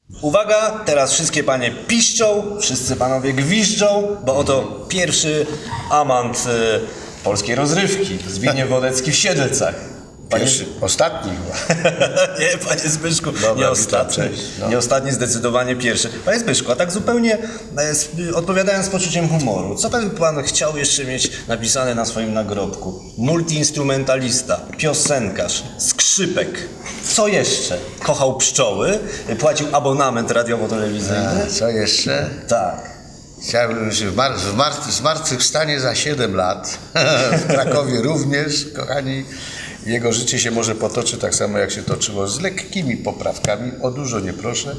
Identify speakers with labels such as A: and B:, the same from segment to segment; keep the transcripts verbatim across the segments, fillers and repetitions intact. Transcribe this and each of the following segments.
A: Uwaga, teraz wszystkie panie piszczą, wszyscy panowie gwiżdżą, bo oto pierwszy amant y, polskiej rozrywki, Zbigniew Wodecki w Siedlcach. Panie...
B: Pierwszy, ostatni chyba.
A: Nie, panie Zbyszku,
B: Dobra,
A: nie ostatni.
B: witam, cześć, no.
A: Nie ostatni, zdecydowanie pierwszy. Panie Zbyszku, a tak zupełnie e, z, odpowiadając z poczuciem humoru, co by pan chciał jeszcze mieć napisane na swoim nagrobku? Multiinstrumentalista, piosenkarz, skrzypek. Co jeszcze? Kochał pszczoły, płacił abonament radiowo-telewizyjny.
B: A, co jeszcze?
A: Tak.
B: Chciałbym się w, mar- w mar- zmartwychwstanie za siedem lat. W Krakowie również, kochani. Jego życie się może potoczy tak samo, jak się toczyło, z lekkimi poprawkami. O dużo nie proszę,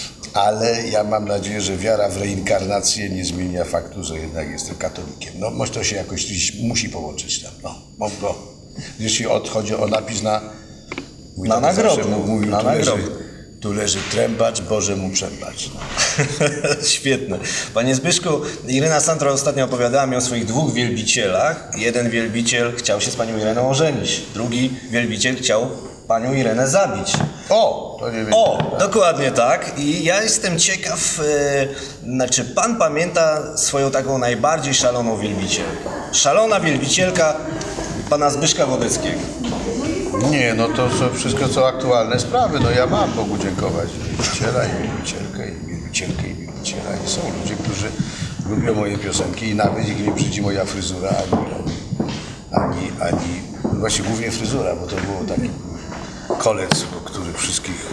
B: ale ja mam nadzieję, że wiara w reinkarnację nie zmienia faktu, że jednak jestem katolikiem. No, może to się jakoś gdzieś musi połączyć tam. No, mogło. Jeśli chodzi o napis na... mój
A: Na
B: tata zawsze
A: nagrobku,
B: mówił,
A: na
B: tu leży,
A: nagrobku.
B: tu leży trębacz, Boże mu przebacz. No.
A: Świetne. Panie Zbyszku, Irena Santra ostatnio opowiadała mi o swoich dwóch wielbicielach. Jeden wielbiciel chciał się z panią Ireną ożenić. Drugi wielbiciel chciał panią Irenę zabić.
B: O, to nie wiem.
A: O, dokładnie tak. I ja jestem ciekaw, e, znaczy pan pamięta swoją taką najbardziej szaloną wielbicielkę. Szalona wielbicielka pana Zbyszka Wodeckiego.
B: Nie, no to są wszystko co aktualne sprawy. No ja mam Bogu dziękować. Wielbiciela i wielbicielkę, i wielbicielkę, i wielbiciela. I są ludzie, którzy lubią moje piosenki i nawet ich nie brzydzi moja fryzura, ani, ani, ani, właśnie głównie fryzura, bo to było taki kolec, który wszystkich,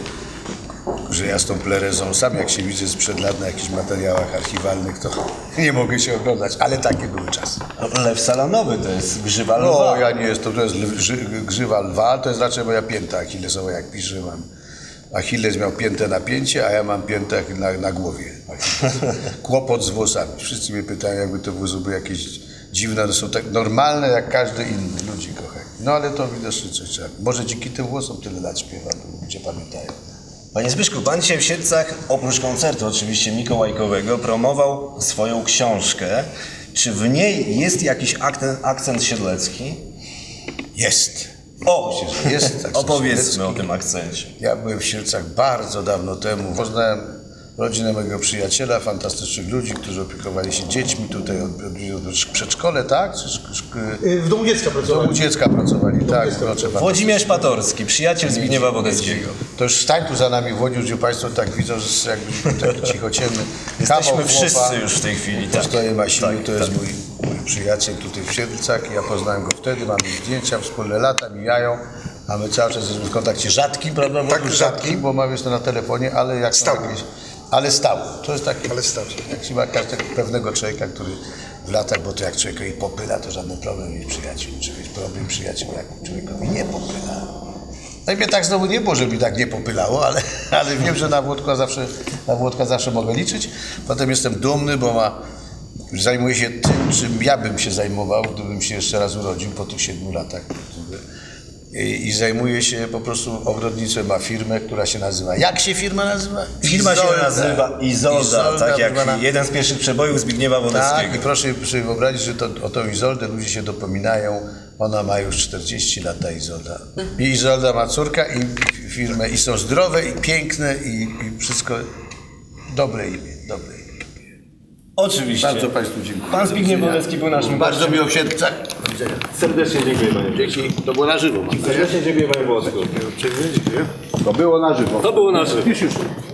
B: że ja z tą plerezą, sam jak się widzę sprzed lat na jakichś materiałach archiwalnych, to nie mogę się oglądać, ale takie były czasy.
A: Lew salonowy to jest grzywa lwa.
B: No, ja nie jestem, to jest lw, ży, grzywa lwa, to jest raczej moja pięta achillesowa, jak piszę, mam. Achilles miał piętę na pięcie, a ja mam piętę na, na głowie. Kłopot z włosami. Wszyscy mnie pytają, jakby te włosy były jakieś dziwne, to są tak normalne jak każdy inny, ludzi kochani. No ale to widocznie coś trzeba. Może dzięki tym włosom tyle lat śpiewam, bo ludzie pamiętają.
A: Panie Zbyszku, pan dzisiaj w Siedlcach, oprócz koncertu oczywiście mikołajkowego, promował swoją książkę. Czy w niej jest jakiś akcent, akcent siedlecki?
B: Jest.
A: O,
B: Myślę, że jest akcent
A: opowiedzmy
B: siedlecki.
A: o tym akcencie.
B: Ja byłem w Siedlcach bardzo dawno temu. Poznałem rodzinę mojego przyjaciela, fantastycznych ludzi, którzy opiekowali się dziećmi tutaj od, od, od przedszkole, tak? Czy, szk- szk-
C: W domu dziecka
B: w
C: pracowałem.
B: domu dziecka pracowali, tak. Wnocze
A: Włodzimierz Patorski, przyjaciel Zbigniewa Wodeckiego.
B: To już stań tu za nami w Łodzi, gdzie Państwo tak widzą, że jakbyśmy taki cichociemny.
A: Jesteśmy
B: kawał
A: wszyscy
B: chłopa.
A: już w tej chwili. Tak,
B: Postoję Masiniu,
A: tak,
B: to jest
A: tak.
B: mój, mój przyjaciel tutaj w Siedlcach. Ja poznałem go wtedy, mamy zdjęcia, wspólne lata mijają, a my cały czas jesteśmy w kontakcie rzadkim, prawda?
C: Tak,
B: Rzadkim,
C: rzadkim.
B: bo mamy jeszcze na telefonie, ale jak
C: Stały.
B: jakieś, ale stały. To jest takie,
C: Ale stały.
B: jak się ma każdego pewnego człowieka, który w latach, bo to jak człowiekowi popyla, to żaden problem mieć przyjaciół. Czy mieć problem przyjaciół, jak człowiekowi nie popyla. No i mnie tak znowu nie było, żeby mi tak nie popylało, ale, ale wiem, że na Włodka zawsze, na Włodka zawsze mogę liczyć. Potem jestem dumny, bo ma, zajmuje się tym, czym ja bym się zajmował, gdybym się jeszcze raz urodził po tych siedmiu latach. I, i zajmuje się po prostu ogrodnictwem, ma firmę, która się nazywa... Jak się firma nazywa?
A: Firma się nazywa Izolda,
B: Izolda,
A: tak jak
B: zwana-
A: jeden z pierwszych przebojów Zbigniewa
B: Tak,
A: Wodeckiego.
B: i proszę sobie wyobrazić, że to, o tą Izoldę ludzie się dopominają. Ona ma już czterdzieści lat, ta Izolda. I Izolda ma córkę i firmę i są zdrowe i piękne i, i wszystko dobre imię, dobre imię.
A: Oczywiście.
B: Bardzo Państwu dziękuję.
A: Pan Zbigniew Wodecki był naszym
B: Bardzo
A: gościem.
B: miło w Siedlcach.
D: Serdecznie dziękuję panie.
B: Dzięki, to było na żywo.
D: Serdecznie dziękuję panie Włosku.
B: Dziękuję. To było na żywo.
D: To było na żywo.
B: Już, już.